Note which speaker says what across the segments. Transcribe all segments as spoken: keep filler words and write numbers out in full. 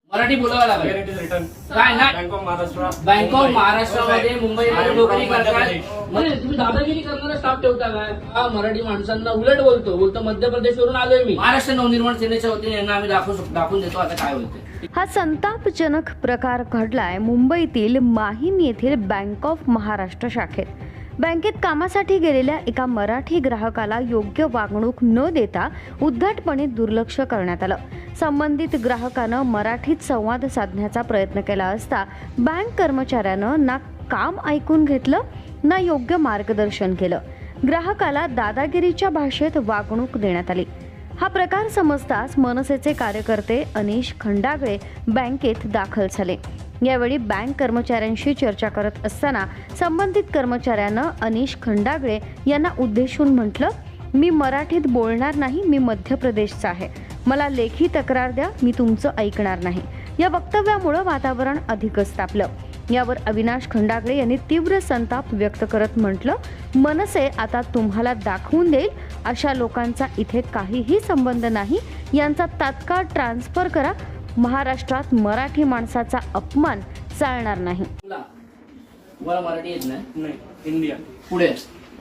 Speaker 1: मराठी बोलावं लागेल.
Speaker 2: रिटर्न
Speaker 1: काय ना
Speaker 2: Bank of Maharashtra
Speaker 1: Bank of महाराष्ट्रामध्ये मुंबईमध्ये नोकरी करताय. म्हणजे तुम्ही दादागिरी करणारा स्टाफ ठेवता काय? हा मराठी माणसांना उलट बोलतो बोलतो मध्य प्रदेशवरून आलोय मी. महाराष्ट्र नवनिर्माण सेनेच्या वतीने यांना आम्ही दाखवू दाखवून देतो आता काय होते.
Speaker 3: हा संतापजनक प्रकार घडलाय मुंबईतील माहीम येथील बँक ऑफ महाराष्ट्र शाखेत. बँकेत कामासाठी गेलेल्या एका मराठी ग्राहकाला योग्य वागणूक न देता उद्धटपणे दुर्लक्ष करण्यात आलं. संबंधित ग्राहकानं मराठीत संवाद साधण्याचा प्रयत्न केला असता बँक कर्मचाऱ्यानं ना काम ऐकून घेतलं ना योग्य मार्गदर्शन केलं. ग्राहकाला दादागिरीच्या भाषेत वागणूक देण्यात आली. हा प्रकार समजताच मनसेचे कार्यकर्ते अनिश खंडागळे बँकेत दाखल झाले. यावेळी बँक कर्मचाऱ्यांशी चर्चा करत असताना संबंधित कर्मचाऱ्यानं अनिश खंडागळे यांना उद्देशून म्हटलं, मी मराठीत बोलणार नाही, मी मध्य प्रदेशचा आहे, मला लेखी तक्रार द्या, मी तुमचं ऐकणार नाही. या वक्तव्यामुळे वातावरण अधिकच तापलं. यावर अविनाश खंडागळे यांनी तीव्र संताप व्यक्त करत म्हटलं, मनसे आता तुम्हाला दाखवून देईल, अशा लोकांचा इथे काहीही संबंध नाही, यांचा तात्काळ ट्रान्सफर करा. महाराष्ट्रात मराठी माणसाचा अपमान चालणार नाही.
Speaker 1: तुम्हाला मराठी येत नाही?
Speaker 2: नाही हिंदी आती.
Speaker 1: पुढे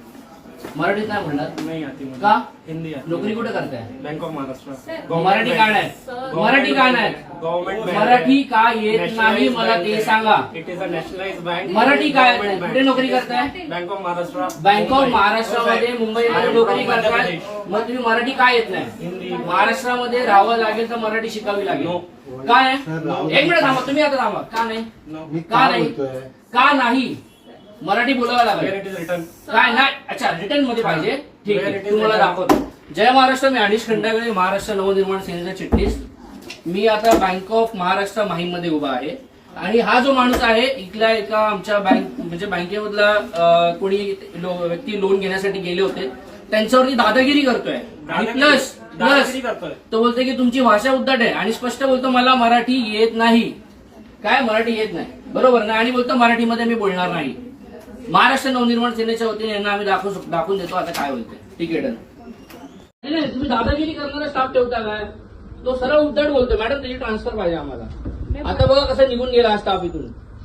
Speaker 1: मराठीत नाही म्हणणार
Speaker 2: नहीं आती मुझे.
Speaker 1: का?
Speaker 2: हिंदी आती.
Speaker 1: नोकरी कुठे करताय?
Speaker 2: Bank of Maharashtra.
Speaker 1: मराठी का नाही? मराठी का नाही?
Speaker 2: गव्हर्नमेंट
Speaker 1: मराठी का येत नाही मला ते सांगा.
Speaker 2: It is a nationalised bank.
Speaker 1: Marathi काय कुठे नोकरी करताय?
Speaker 2: Bank of Maharashtra.
Speaker 1: Bank of महाराष्ट्रामध्ये मुंबईमध्ये नोकरी करताय. मग तुम्ही मराठी का येत नाही?
Speaker 2: हिंदी.
Speaker 1: महाराष्ट्रामध्ये राहावं लागेल तर मराठी शिकावी लागेल. काय? एक मिनिट थांबा, तुम्ही आता थांबा. का नाही? का नाही? का नाही? मराठी बोलावं लागेल.
Speaker 2: रिटर्न
Speaker 1: काय नाही? अच्छा रिटर्न मध्ये पाहिजे. ठीक आहे, तुम्हाला दाखवतो. जय महाराष्ट्र. मी अनिश खंडागळे, महाराष्ट्र नवनिर्माण सेनेचा चिटणीस. मी आता बँक ऑफ महाराष्ट्र माहीम मध्ये उभा आहे आणि हा जो माणूस आहे इथल्या एका आमच्या बँक म्हणजे बँकेमधला अं, कोणी लो- व्यक्ती लोन घेण्यासाठी गेले होते, त्यांच्यावरती दादागिरी करतोय आणि प्लस प्लस
Speaker 2: करतोय.
Speaker 1: तो बोलतोय की तुमची भाषा उद्धट आहे आणि स्पष्ट बोलतो मला मराठी येत नाही. काय मराठी येत नाही बरोबर ना? आणि बोलतो मराठीमध्ये मी बोलणार नाही. महाराष्ट्र नवनिर्माण सेनेच्या वतीने यांना आम्ही दाखवू दाखवून देतो आता काय होते. ठीक आहे, डन. नाही तुम्ही दादागिरी करणारा स्टाफ ठेवता काय? तो सरळ उद्धट बोलतो, मॅडम त्याची ट्रान्सफर पाहिजे आम्हाला. आता बघा कसं निघून गेला हा स्टाफ इथून.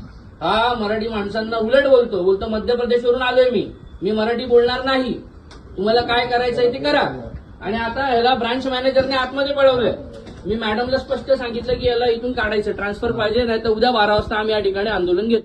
Speaker 1: हा मराठी माणसांना उलट बोलतो बोलतो मध्य प्रदेशवरून आलोय मी, मी मराठी बोलणार नाही, तुम्हाला काय करायचंय ते करा. आणि आता ह्याला ब्रांच मॅनेजरने आतमध्ये पळवलंय. मी मॅडमला स्पष्ट सांगितलं की याला इथून काढायचं, ट्रान्सफर पाहिजे, नाही तर उद्या बारा वाजता आम्ही या ठिकाणी आंदोलन घेतो.